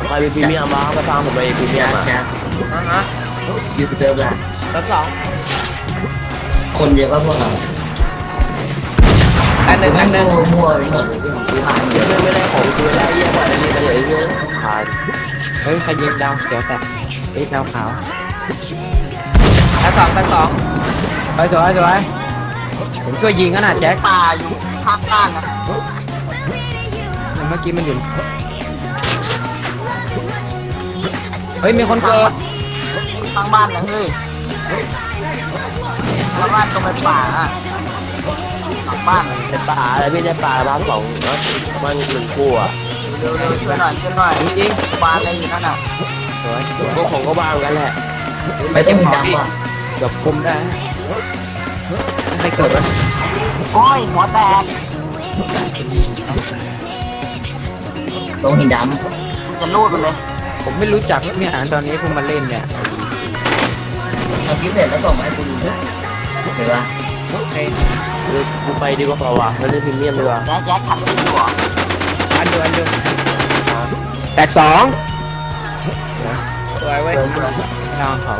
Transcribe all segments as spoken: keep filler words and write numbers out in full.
ใครเป็นพรีเมียมบ้างก็ตามผมไปพรีเมียมอ่ะฮะฮะยืดเซิร์ฟละรถสองคนเยอะก็พวกเราอันหนึ่งอันหนึ่งมั่วไปหมดเลยที่ผมซื้อมาเยเดี๋ยอะวไม่ได้ของคุยได้เยี่ยมกว่าได้ดีกันเลยเยอะผ่านเฮ้ยใครยิงดาวเขียวแตกเฮ้ยดาวขาวอันสองอันสองไปสวยสวยผมช่วยยิงกันนะแจ็คป่าอยู่ข้างบ้านนะเมื่อกี้มันอยู่เฮ้ยมีคนเกิดข้างบ้านนะเฮ้ยข้างบ้านตรงเป็นป่าอะหลังบ้านเป็นป่าอะไรพี่ได้ป่าบ้านสองนะมันหนึ่งคู่อ่ะเร็วๆช่วยหน่อยช่วยหน่อยจริงบ้านอะไรอยู่นั่นน่ะสวยสวยก็ของก็บ้างกันแหละไปเต็มดำว่ะเกือบคุมได้ไม่เกิดวะโอ้ยหัวแตกลงหินดำจะรูดไปเลยผมไม่รู้จักเนี่ยตอนนี้เพิ่งมาเล่นเนี่ยทำคลิปเสร็จแล้วส่งมาให้คุณดูนะเห็นปะกูไปดีกว่าเปล่าวะไม่ได้พรีเมียมดีกว่าแจ๊คแจ๊คทำไม่ถูกอันเดียวอันเดียวแตกสองสวยเว้ยดาวเขา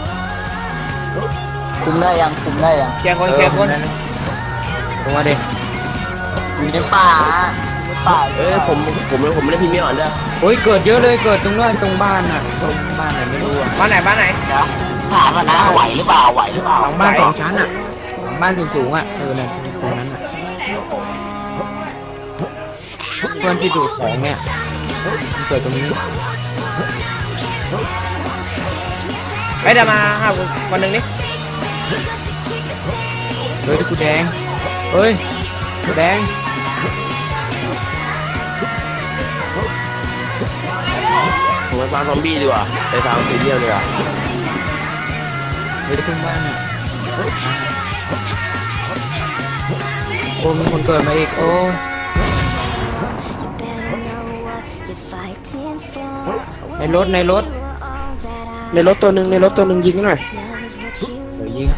คุมได้ยังคุมได้ยังเคลียร์คนเคลียร์คนลงมาดิอยู่ในป่าในป่าเอ้ยผมผมผมไม่ได้พรีเมียมอ่ะเด้อโอ้ยเกิดเยอะเลยเกิดตรงนั้นตรงบ้านอ่ะตรงบ้านไหนไม่รู้อ่ะบ้านไหนบ้านไหนนะถามว่านะไหวหรือเปล่าไหวหรือเปล่าหลังบ้านสองชั้นอ่ะหลังบ้านสูงๆอ่ะเออเนี่ยตรงนั้นอ่ะเพื่อนที่ดูดของเนี่ยมันเกิดตรงนี้ไปเดี๋ยวมาหาวันหนึ่งนี่เฮ้ยกูแดงเฮ้ยกูแดงผมไปฟาร์มซอมบี้ดีกว่าไปฟาร์มพรีเมียมดีกว่าเฮ้ยขึ้นบ้านอ่ะโอ้มีคนเกิดมาอีกโอ้ ในรถในรถในรถตัวหนึ่งในรถตัวหนึ่งยิงหน่อยเดี๋ยวยิง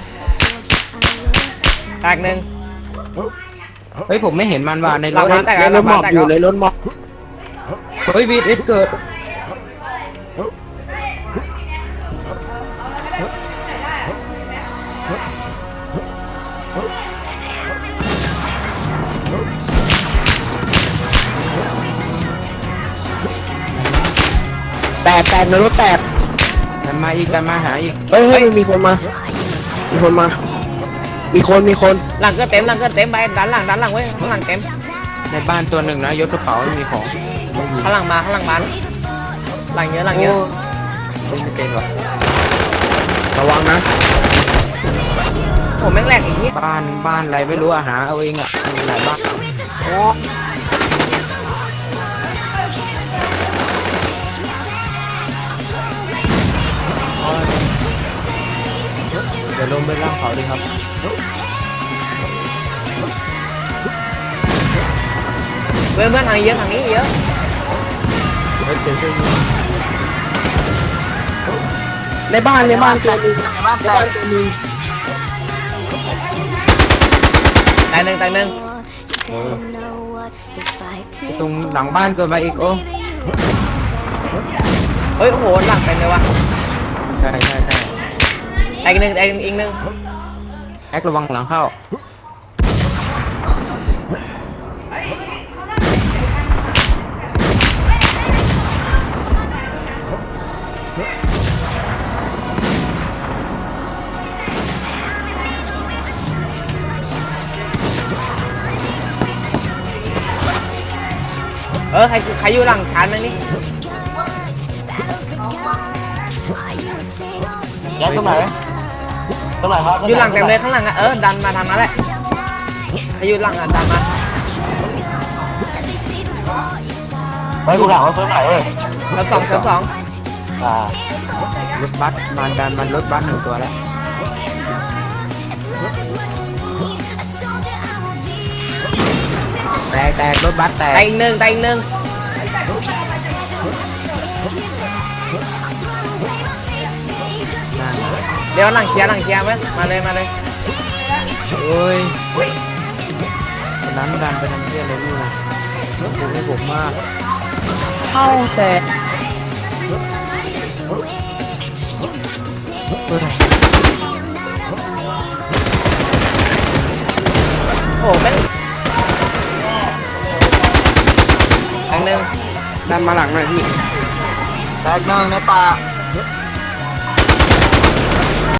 แตกหนึ่งเฮ้ยผมไม่เห็นมันว่ะในรถหลังบ้านแตกในรถหมอบอยู่ในรถหมอบเฮ้ยวีดเอสเกิดแตกแตกในรถแตกมันมาอีกกันมาหาอีกเฮ้ยเฮ้ยมันมีคนมา มีคนมา มีคนมีคนหลังก็เต็มหลังก็เต็มไปด้านหลังด้านหลังเว้ยข้างหลังเต็มในบ้านตัวหนึ่งนะยกกระเป๋าไม่มีของไม่ยิงข้างหลังมาข้างหลังบ้านหลังเยอะหลังเยอะโอ้ไม่เป็นหรอระวังนะผมแม่งแหลกอีกทีบ้านบ้านอะไรไม่รู้อะหาเอาเองอะมีหลายบ้านโอ้เดี๋ยวลงไปล่างเขาดีครับเพื่อนเพื่อนทางนี้เยอะทางนี้เยอะเฮ้ยเป็นช่วยยิงในบ้านในบ้านตัวหนึงในบ้านในแตบ้าก นตัวหนึงตายหนึ่งตายหนึ่งเออตรงหลังบ้านเกิดมาอีกโอ้เฮ้ยโอ้โหหลังเต็มเลยวะใช่ใช่ใช่ตายอีกหนึ่งตายอีกหนึ่งแอคระวังหลังเข้าเออใครใครอยู่หลังชานมั้งนี่แจ๊คตรงไหนตรงไหนครับอยู่หลังเต็มเลยข้างหลังอะเออดันมาทางนั้นแหละใครอยู่หลังอะดันมาไปกูถามว่าเฟิร์สไหนเอ้ยเซฟสองเซฟสองอ่ารถบัสมันดันมันรถบัสหนึ่งตัวแล้วแตกแตกรถบัสแตตายกอีกหนึ่งตายอีกหนึ่งเดี๋ยวหลังเคลียร์หลังเคลียร์ไหมมาเลยมาเลยโอ้ยคนนั้นดันไปทำเพี้ยอะไรไม่รู้ดูให้ผมมากเข้าแต่โอ้แม่งแบงหนึ่งดันมาหลังหน่อยพี่แตกหนึ่งในป่า